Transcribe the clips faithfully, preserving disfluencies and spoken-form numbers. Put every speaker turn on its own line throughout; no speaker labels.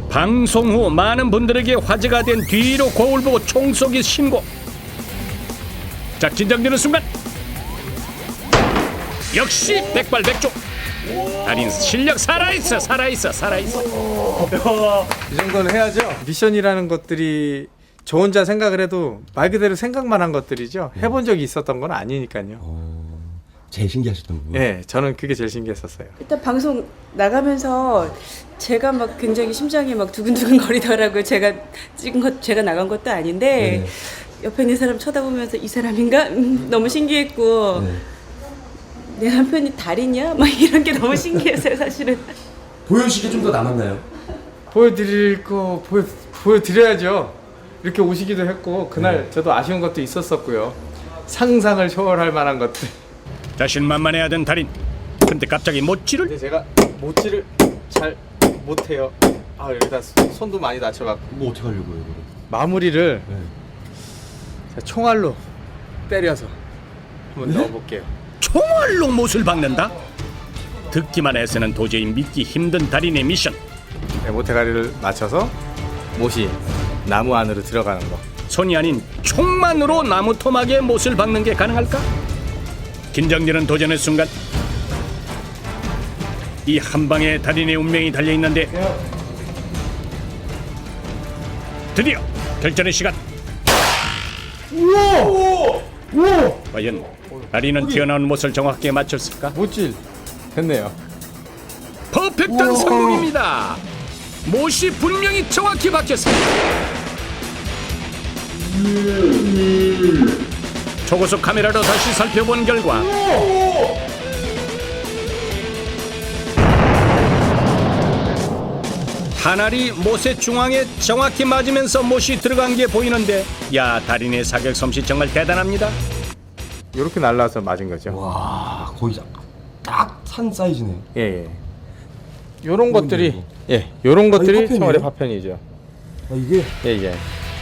방송 후 많은 분들에게 화제가 된 뒤로 거울 보고 총 쏘기 신고. 자, 긴장되는 순간 역시 백발백중. 달인 실력 살아있어 살아있어 살아있어.
이 정도는 해야죠. 미션이라는 것들이 저 혼자 생각을 해도 말 그대로 생각만 한 것들이죠. 해본 적이 있었던 건 아니니까요.
어, 제일 신기하셨던 부분.
네, 저는 그게 제일 신기했었어요.
일단 방송 나가면서 제가 막 굉장히 심장이 막 두근두근 거리더라고요. 제가 찍은 것, 제가 나간 것도 아닌데
네.
옆에 있는 사람 쳐다보면서 이 사람인가? 음, 너무 신기했고
네.
내 남편이 달이냐? 막 이런 게 너무 신기했어요, 사실은.
보여주시기 좀 더 남았나요?
보여드릴 거 보여, 보여드려야죠. 이렇게 오시기도 했고 그날 네. 저도 아쉬운 것도 있었었고요. 상상을 초월할 만한 것들.
자신만만해하던 달인. 근데 갑자기 못질을.
근데 제가 모찌를 잘 못해요. 아 여기다 손도 많이 다쳐갖고.
뭐 어떻게 하려고요, 이거를?
마무리를
네.
제가 총알로 때려서 한번
네?
넣어볼게요.
총알로 못을 박는다? 듣기만 해서는 도저히 믿기 힘든 달인의 미션.
네, 모태가리를 맞춰서 못이 나무 안으로 들어가는 거.
손이 아닌 총만으로 나무 토막에 못을 박는 게 가능할까? 긴장되는 도전의 순간 이 한 방에 달인의 운명이 달려있는데 드디어 결전의 시간.
우와! 우와!
과연 달인은 튀어나온 못을 정확하게 맞췄을까?
못질 됐네요.
퍼펙트한 성공입니다. 못이 분명히 정확히 박혔습니다. 초고속 카메라로 다시 살펴본 결과 한 알이 못의 중앙에 정확히 맞으면서 못이 들어간 게 보이는데, 야, 달인의 사격 솜씨 정말 대단합니다.
이렇게 날라서 맞은 거죠.
와, 거의 딱 산 사이즈네요.
예, 예. 요런
어,
것들이
이거.
예, 요런 것들이
파편이에요?
총알의 파편이죠.
아, 이게
예, 예.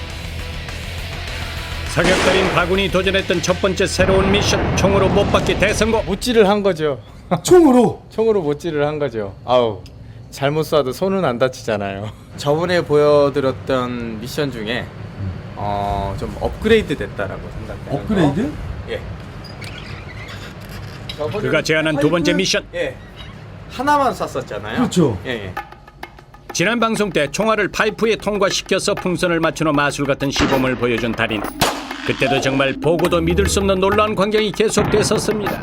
사격달인 바군이 도전했던 첫 번째 새로운 미션, 총으로 못 받기 대성공.
못질을 한 거죠.
총으로.
총으로 못질을 한 거죠. 아우, 잘못 쏴도 손은 안 다치잖아요. 저번에 보여드렸던 미션 중에 어, 좀 업그레이드 됐다라고 생각해요.
업그레이드?
예.
그가 제안한 두 번째 미션.
예. 하나만 쐈었잖아요.
그렇죠.
예, 예.
지난 방송 때 총알을 파이프에 통과시켜서 풍선을 맞추는 마술 같은 시범을 보여준 달인. 그때도 정말 보고도 믿을 수 없는 놀라운 광경이 계속됐었습니다.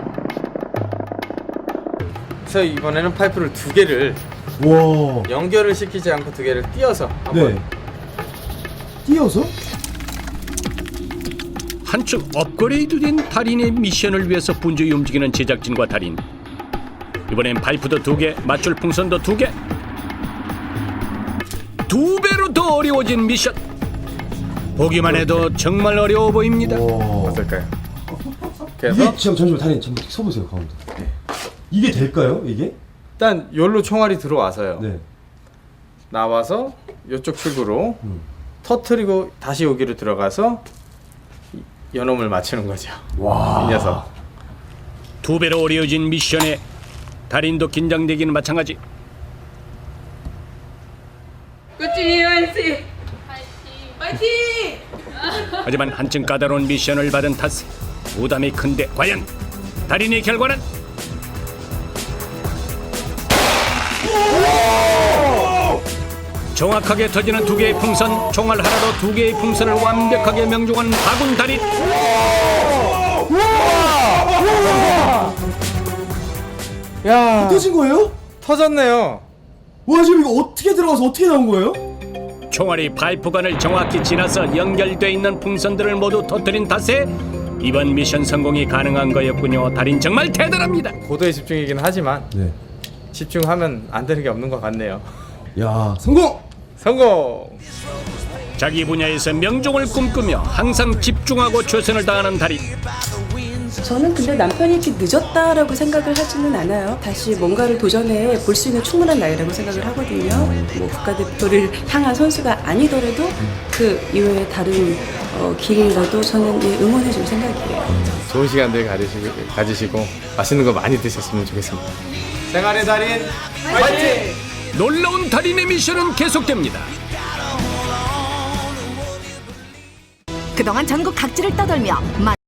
그래서 이번에는 파이프를 두 개를
와.
연결을 시키지 않고 두 개를 띄어서 한번
네. 띄어서?
한층 업그레이드된 달인의 미션을 위해서 분주히 움직이는 제작진과 달인. 이번엔 파이프도 두 개, 맞출 풍선도 두 개. 두 배로 더 어려워진 미션. 보기만 해도 정말 어려워 보입니다.
와.
어떨까요?
이게
그래서
잠, 잠시만 달인 잠깐 서보세요 가운데. 이게 될까요 이게?
일단 여기로 총알이 들어와서요.
네.
나와서 이쪽 출구로
음.
터트리고 다시 여기로 들어가서 연홈을 맞추는 거죠.
와.
이 녀석.
두 배로 어려워진 미션에 달인도 긴장되기는 마찬가지.
꾸준히 화이팅! 화이팅!
하지만 한층 까다로운 미션을 받은 탓에 부담이 큰데 과연 달인의 결과는? 정확하게 터지는 두 개의 풍선, 총알 하나로 두 개의 풍선을 완벽하게 명중한 바군 달인.
야,
터진 거예요?
터졌네요.
와 지금 이거 어떻게 들어가서 어떻게 나온 거예요?
총알이 파이프관을 정확히 지나서 연결돼 있는 풍선들을 모두 터뜨린 탓에 이번 미션 성공이 가능한 거였군요. 달인 정말 대단합니다.
고도의 집중이긴 하지만
네.
집중하면 안 되는 게 없는 것 같네요.
야 성공!
성공!
자기 분야에서 명종을 꿈꾸며 항상 집중하고 최선을 다하는 달인.
저는 근데 남편이 이렇게 늦었다라고 생각을 하지는 않아요. 다시 뭔가를 도전해 볼 수 있는 충분한 나이라고 생각을 하거든요. 뭐 국가대표를 향한 선수가 아니더라도 그 이외에 다른 어, 길이라도 저는 예, 응원해 줄 생각이에요.
좋은 시간들 가지시고, 가지시고 맛있는 거 많이 드셨으면 좋겠습니다. 생활의 달인 화이팅!
놀라운 달인의 미션은 계속됩니다.
그동안 전국 각지를 떠돌며